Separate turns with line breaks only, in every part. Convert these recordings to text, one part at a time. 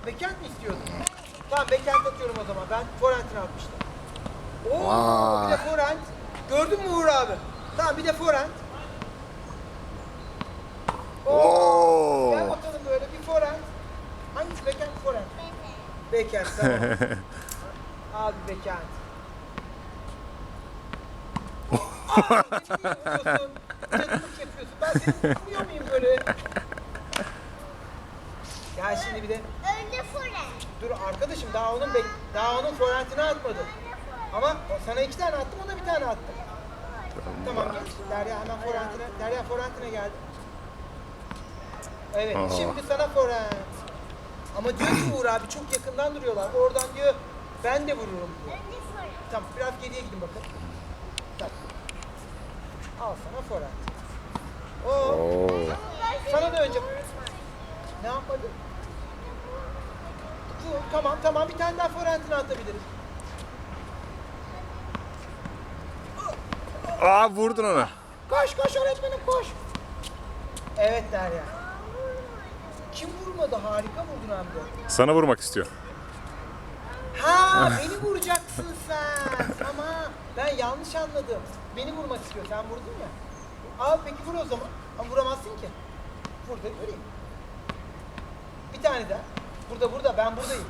Backhand mi istiyordun? Tamam backhand atıyorum o zaman. Ben forehand'ini atmıştım. Oo, bir de forehand. Gördün mü Uğur abi? Tamam bir de forehand. Oo. Gel bakalım böyle bir forehand. Hangisi backhand forehand? Backhand tamam. Abi backhand. Aa, beni niye vuruyorsun? Cadılık yapıyorsun. Ben seni vuruyor muyum böyle? Ya şimdi bir de
Önce forehand.
dur arkadaşım daha onun forehand'ini atmadım. Ama sana 2 tane attım, ona 1 tane attım. Tamam geç. Derya forehand'ine geldi. Evet, şimdi sana forehand. Ama diyor ki Uğur abi çok yakından duruyorlar. Oradan diyor ben de vururum diyor.
Önce forehand.
Tamam biraz geriye gidin bakın. Tamam. Al sana forehand. Oo. Sana da önce ne yapmadın? Tamam bir tane daha forehand'ini atabiliriz.
Aa vurdun ona.
Koş öğretmenim koş. Evet Derya. Kim vurmadı? Harika vurdun hem de.
Sana vurmak istiyor.
Ha beni vuracaksın sen. Ama ben yanlış anladım. Beni vurmak istiyor. Sen vurdun ya. Al peki vur o zaman. Ama vuramazsın ki. Vur da göreyim. Bir tane daha. Burada ben buradayım.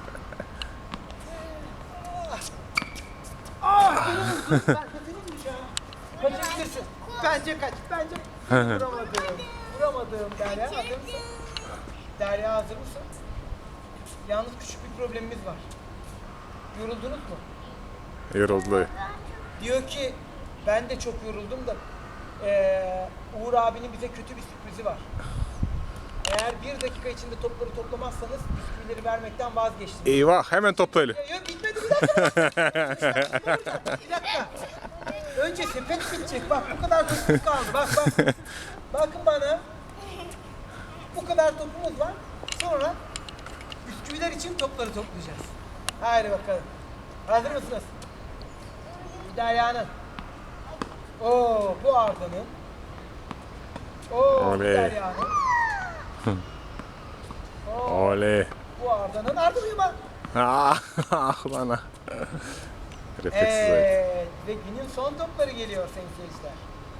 Beni vurdun. Ben seni vuracağım. Kaçabilirsin. Bence kaç. Vuramadım. Derya hazır mısın? Derya hazır mısın? Yalnız küçük bir problemimiz var. Yoruldunuz mu?
Yoruldu.
Diyor ki ben de çok yoruldum da Uğur abinin bize kötü bir sürprizi var. Eğer 1 dakika içinde topları toplamazsanız bisküvileri vermekten vazgeçtim.
Eyvah hemen toplayalım.
Yok bitmedi bir dakika. Bir dakika. Önce sepet bitecek. Bak bu kadar topumuz kaldı. Bak. Bakın bana. Bu kadar topumuz var. Sonra bisküviler için topları toplayacağız. Haydi bakalım. Hazır mısınız? Derya'nın. Oo, bu Arda'nın. Oo, bu
Oley.
Derya'nın. Oo,
Oley.
bu Arda'nın. Arda uyuma.
Ah bana. Refleksiz ayak.
Evet. Ve günün son topları geliyor sayın seyirciler.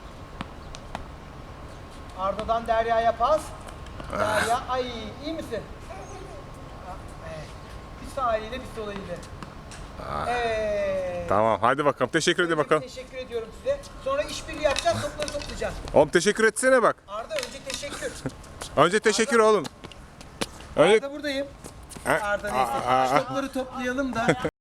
Arda'dan Derya'ya pas. Derya, ay iyi misin? Evet. Bir sağ eliyle bir sol eliyle. Evet.
Tamam hadi bakalım. Teşekkür edin bakalım.
Teşekkür ediyorum size. Sonra işbirliği yapacağız, topları toplayacağız.
Oğlum teşekkür etsene bak.
Arda önce teşekkür.
Önce teşekkür oğlum. Önce...
Arda buradayım. Arda neyse. Şu topları toplayalım da.